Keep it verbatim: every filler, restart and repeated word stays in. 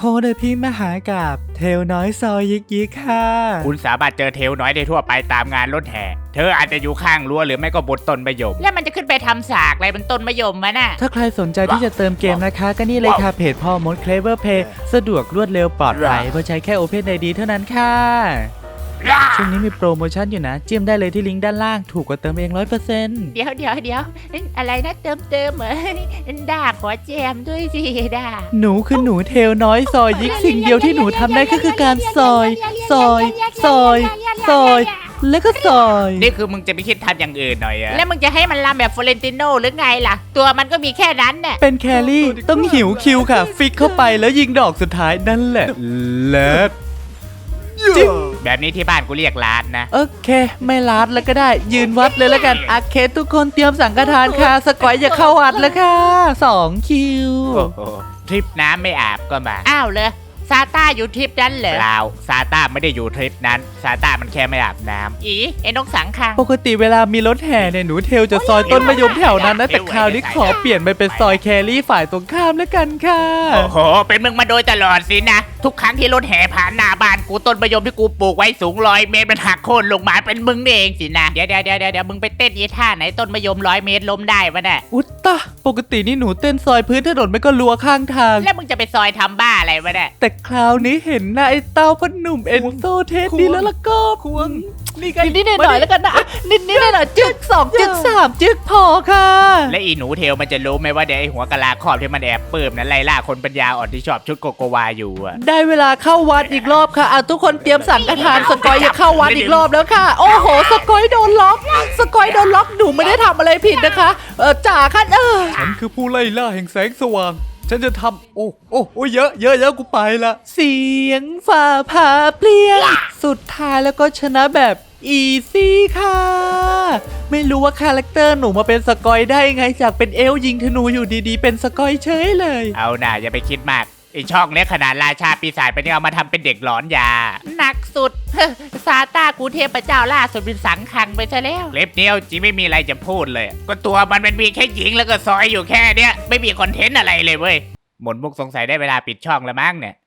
โดยพี่มหากับเทลน้อยซอยยิกยิกค่ะคุณสามารถเจอเทลน้อยได้ทั่วไปตามงานรถแห่เธออาจจะอยู่ข้างรั้วหรือไม่ก็บนต้นมะยมแล้วมันจะขึ้นไปทำสากอะไรบนต้นมะยมมะน่ะถ้าใครสนใจที่จะเติมเกมนะคะก็นี่เลยค่ะเพจพ่อมด Clever Play สะดวกรวดเร็วปลอดภัยเพราะใช้แค่ Open ไอ ดี เท่านั้นค่ะช่วงนี้มีโปรโมชั่นอยู่นะจิ้มได้เลยที่ลิงก์ด้านล่างถูกกว่าเติมเอง ร้อยเปอร์เซ็นต์เดี๋ยวเดี๋ยวเดี๋ยวอะไรนะเติมเติมเหรอด่าขอแจมด้วยสิด่าหนูคือหนูเทลน้อยซอยยิกสิ่งเดียวที่หนูทำได้ก็คือการซอยซอยซอยซอยแล้วก็ซอยนี่คือมึงจะไม่คิดทำอย่างอื่นหน่อยอะแล้วมึงจะให้มันรำแบบฟลอเรนติโนหรือไงล่ะตัวมันก็มีแค่นั้นน่ะเป็นแครี่ต้องหิวคิวค่ะฟิกเข้าไปแล้วยิงดอกสุดท้ายนั่นแหละเลิศจิ๊บแบบนี้ที่บ้านกูเรียกลาดนะโอเคไม่ลาดแล้วก็ได้ยืนวัดเลยแล้วกันโอเคทุกคนเตรียมสังฆทานค่ะสกอยอย่าเข้าวัดแล้วค่ะสองคิวทริปน้ำไม่อาบก็มาอ้าวเลยซาต้าอยู่ทริปนั้นเหรอเปล่าซาต้าไม่ได้อยู่ทริปนั้นซาต้ามันแค่ไม่อาบน้ำอีไอ้นกสังคังปกติเวลามีรถแห่เนี่ยหนูเทลจะซอยต้นมะยมแถวนั้นนะแต่คราวนี้ขอเปลี่ยนไปเป็นซอยแครี่ฝ่ายตรงข้ามแล้วกันค่ะโอ้โหเป็นมึงมาโดยตลอดสินะทุกครั้งที่รถแห่ผ่านหน้าบ้านกูต้นมะยมที่กูปลูกไว้สูงร้อยเมตรมันหักโค่นลงมาเป็นมึงเองสินะเดี๋ยวเดี๋ยวเดี๋ยวเดี๋ยวมึงไปเต้นยีท่าไหนต้นมะยมร้อยเมตรล้มได้ปะเนี่ยอุตตะปกตินี่หนูเต้นซอยพื้นถนนไม่ก็ลัวข้างทางแล้วมึงจะไปซอยทำบ้าอะไรวะเนี่ยแต่คราวนี้เห็นหน้าไอ้เต้าพนหนุ่มเอ็นโซเทสดีแล้วล่ะก็ควงนี่กันนิดหน่อยแล้วกันนะนิดนิดหน่อยจึกสองจึกสามจึกพอค่ะและอีหนูเทลมันจะรู้ไหมว่าเดี๋ยวไอ้หัวกะลาครอบที่มันแอบเปิ่มนั้นไล่ล่าคนปัญญาอ่อนที่ชอบชุดโกโกวาอยู่อะได้เวลาเข้าวัดอีกรอบค่ะอ่ะทุกคนเตรียมสังฆทานสกอยอย่าเข้าวัดอีกรอบแล้วค่ะโอ้โหสกอยโดนล็อกสกอยโดนล็อกหนูไม่ได้ทำอะไรผิดนะคะเออจ่าค่ะเออฉันคือผู้ไล่ล่าแห่งแสงสว่างฉันจะทำโอ้โอ้โอ้เยอะเยอะเยอะกูไปละเสียงฝ่าผ่าเปลี่ยนสุดท้ายแล้วก็ชนะแบบอีซี่ค่ะไม่รู้ว่าคาแรคเตอร์หนูมาเป็นสกอยได้ไงจากเป็นเอลยิงธนูอยู่ดีๆเป็นสกอยเฉยเลยเอาหน่าอย่าไปคิดมากไอช่องเล็กขนาดราชาปีศาจเป็นเอามาทำเป็นเด็กหลอนยาหนักสุดซาต้ากูเทพเจ้าล่าสุดเป็นสังคังไปซะแล้วเล็บเดียวจีไม่มีอะไรจะพูดเลยก็ตัวมันเป็นมีแค่หญิงแล้วก็ซอยอยู่แค่เนี้ยไม่มีคอนเทนต์อะไรเลยเว้ยหมดมุกสงสัยได้เวลาปิดช่องแล้วมั้งเนี่ย